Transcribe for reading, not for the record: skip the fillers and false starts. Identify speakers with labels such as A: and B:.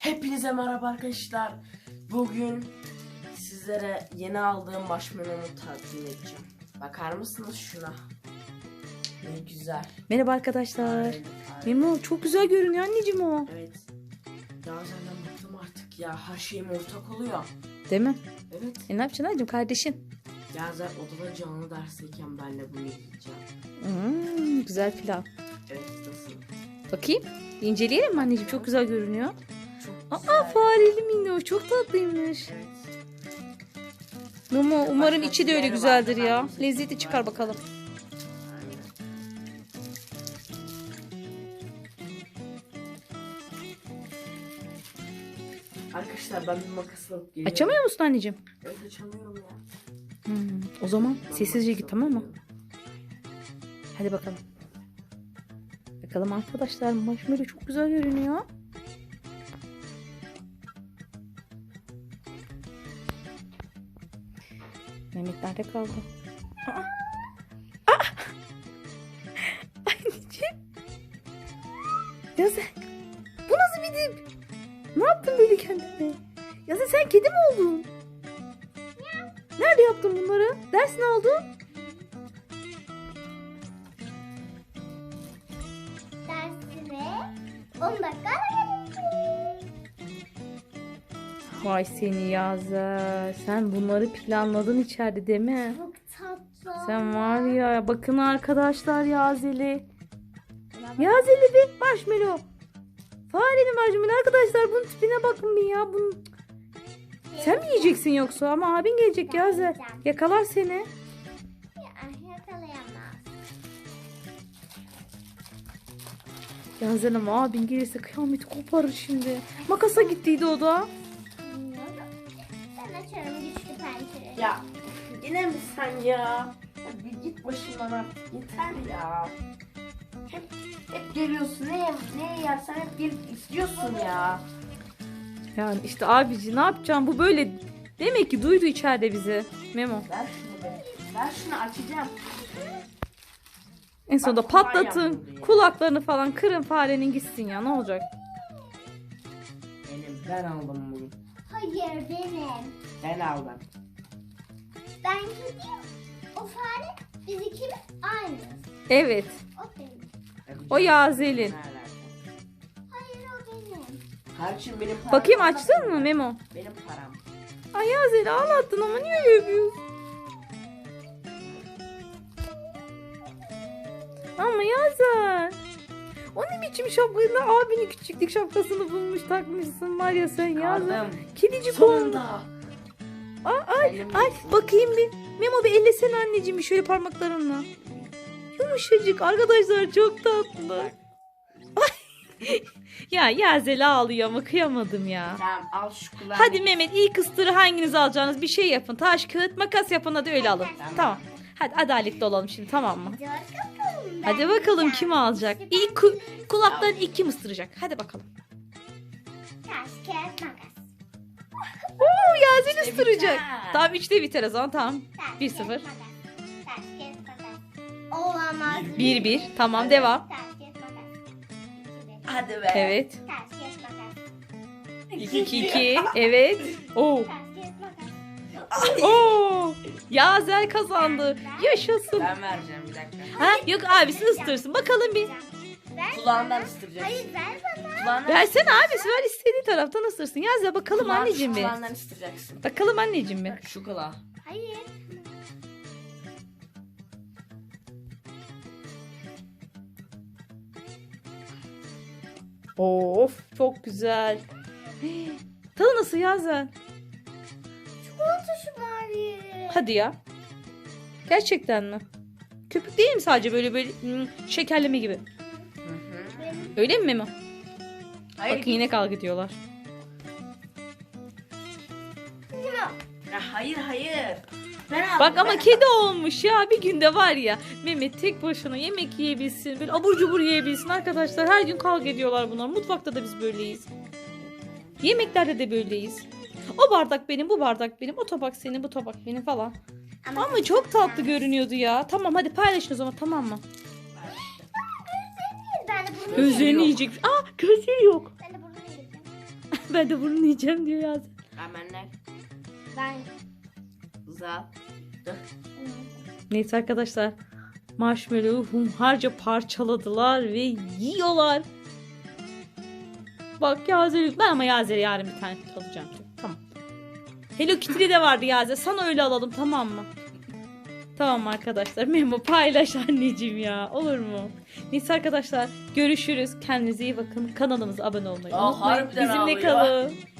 A: Hepinize merhaba arkadaşlar. Bugün sizlere yeni aldığım marshmallow'u takdim edeceğim. Bakar mısınız şuna? Ne güzel.
B: Merhaba arkadaşlar.
A: Evet.
B: Memo çok güzel görünüyor anneciğim o.
A: Evet. Ya senden bıktım artık ya. Her şeyim ortak oluyor.
B: Değil mi?
A: Evet.
B: Ne yapacaksın anneciğim kardeşin?
A: Ya zaten odada canlı dersteyken ben de bunu yiyeceğim.
B: Güzel plan.
A: Evet, nasıl?
B: Bakayım. İnceleyelim mi anneciğim? Çok güzel görünüyor.
A: Çok güzel.
B: Aa fareli minnoş. Çok tatlıymış.
A: Evet.
B: Memo umarım
A: Başka
B: içi de öyle
A: türleri
B: güzeldir
A: vardı,
B: ya.
A: ben de
B: Lezzeti
A: seçtim,
B: çıkar
A: ben de.
B: bakalım.
A: Aynen. Arkadaşlar ben bir makas alıp geliyorum.
B: Açamıyor musun anneciğim?
A: Evet, açamıyorum ya.
B: O zaman
A: Ben
B: sessizce
A: makas
B: git
A: alıp
B: tamam mı?
A: geliyorum.
B: Hadi bakalım. Bakalım arkadaşlar marshmallow çok güzel görünüyor. Mehmet nerede kaldı? Aa! Aa! Anneciğim. Ya sen bu nasıl bir dip? Ne yaptın böyle kendine? Ya sen kedi mi oldun? Nerede yaptın bunları? Ders ne oldu?
C: Dersime 10 dakika ara verildi.
B: Vay seni Yazer. Sen bunları planladın içeride değil mi?
C: Çok tatlı.
B: Sen var ya bakın arkadaşlar Yazeli. Yazeli bir marshmallow. Fareli marshmallow arkadaşlar bunun tipine bakın bir ya. Bunun... Sen mi yiyeceksin yoksa ama abin gelecek Yazer. Yakalar seni.
C: Yakalayamaz.
B: Yazer ama abin gelirse kıyameti koparır şimdi. Makasa gittiydi o da.
C: Bilmiyorum. Ben açarım güçlü pencereyi.
A: Ya yine mi sen ya? Ya bir git başımdan artık yeter ya. Hep geliyorsun ne yersen hep gelip istiyorsun ya.
B: Yani işte abici ne yapacağım bu böyle. Demek ki duydu içeride bizi. Memo.
A: Ver şunu be. Ver şunu açacağım.
B: En sonunda
A: Bak, kolay
B: patlatın.
A: yapıldı ya.
B: Kulaklarını falan kırın farenin gitsin ya ne olacak?
A: Ben aldım bunu.
C: Hayır benim.
A: Ben aldım.
C: Ben gideyim. O fare biz ikimiz aynı.
B: Evet.
C: O benim.
B: O Yazel'in.
C: Hayır o benim.
A: Kardeşim benim param.
B: Bakayım açtın mı Memo?
A: Benim param.
B: Ay Yazel'i ağlattın ama niye öyle yapıyorsun? Ama Yazel. O ne biçim şapkayla abinin küçüklük şapkasını bulmuş takmışsın var ya sen Yazel.
A: Aldım.
B: Kedicik olmuş.
A: Sonunda.
B: Ay bakayım bir. Memo bir ellesene anneciğim bir şöyle parmaklarınla. Yumuşacık arkadaşlar çok tatlı. Ay. Ya Yazel ağlıyor ama kıyamadım ya.
A: Tamam al şu kulağını.
B: Hadi Mehmet ilk ısırığı hanginiz alacaksınız bir şey yapın. Taş kağıt makas yapın hadi öyle alın. Tamam. Hadi adaletli olalım şimdi tamam mı?
C: Hadi bakalım.
B: Hadi bakalım kim alacak? İlk kulaktan ilk kim ısıracak? Hadi bakalım.
C: Taş, kağıt, makas.
B: Oo Yazel
A: İşte
B: ısıracak.
A: biter.
B: Tamam 3'te biter o zaman tamam.
C: Taş,
B: 1-0.
C: kağıt, makas. Taş, kağıt, makas. Olamaz.
B: 1-1 tamam devam.
C: Taş, kağıt, makas.
A: Hadi be.
B: Evet.
C: Taş, kağıt, makas.
B: 2-2 evet. Oo.
C: Taş, kağıt, makas.
B: Oo. Yazel kazandı. Yaşasın.
A: Ben vereceğim bir dakika.
B: Ha yok abisi ısırsın. Bakalım bir.
C: Ver.
A: Kulağından ısıracaksın.
C: Hayır ver bana.
A: Kulağından
B: Versene abisi ver istediği taraftan ısırsın. Yazel bakalım anneciğim bir.
A: Kulağından ısıracaksın.
B: Bakalım anneciğim bir.
A: Şu kulağı.
C: Hayır.
B: Of çok güzel. Tadı nasıl Yazel?
C: Çikolata şu bari.
B: Hadi ya. Gerçekten mi? Köpük değil mi sadece böyle şekerleme gibi?
C: Benim
B: Öyle mi Memo?
A: Hayır.
B: Bakın yine kavga ediyorlar.
A: Ya hayır. Ben aldım.
B: Bak ama
A: ben
B: kedi olmuş ya bir günde var ya. Mehmet tek başına yemek yiyebilsin. Böyle abur cubur yiyebilsin arkadaşlar. Her gün kavga ediyorlar bunlar. Mutfakta da biz böyleyiz. Yemeklerde de böyleyiz. O bardak benim, bu bardak benim. O tabak senin, bu tabak benim falan. Ama çok tatlı görünüyordu ya. Tamam hadi paylaşın o zaman tamam mı?
C: Ben de bunu
B: Gözlerini
A: yok.
B: yiyecek. Aa gözleri yok.
C: Ben de bunu yiyeceğim.
B: Ben de bunu yiyeceğim diyor Yazel.
A: Hemenler.
C: Ben.
A: Güzel.
B: Neyse arkadaşlar. Marshmallow'u hunharca parçaladılar ve yiyorlar. Bak Yazel, ben ama Yazel'e yarın bir tane alacağım. Tamam. Hello Kitty'de de vardı Yazel. Sana öyle alalım, tamam mı? Tamam arkadaşlar. Memo paylaş anneciğim ya. Olur mu? Neyse arkadaşlar. Görüşürüz. Kendinize iyi bakın. Kanalımıza abone olmayı
A: Aa,
B: unutmayın.
A: harbiden
B: Bizimle
A: ağlıyor.
B: kalın.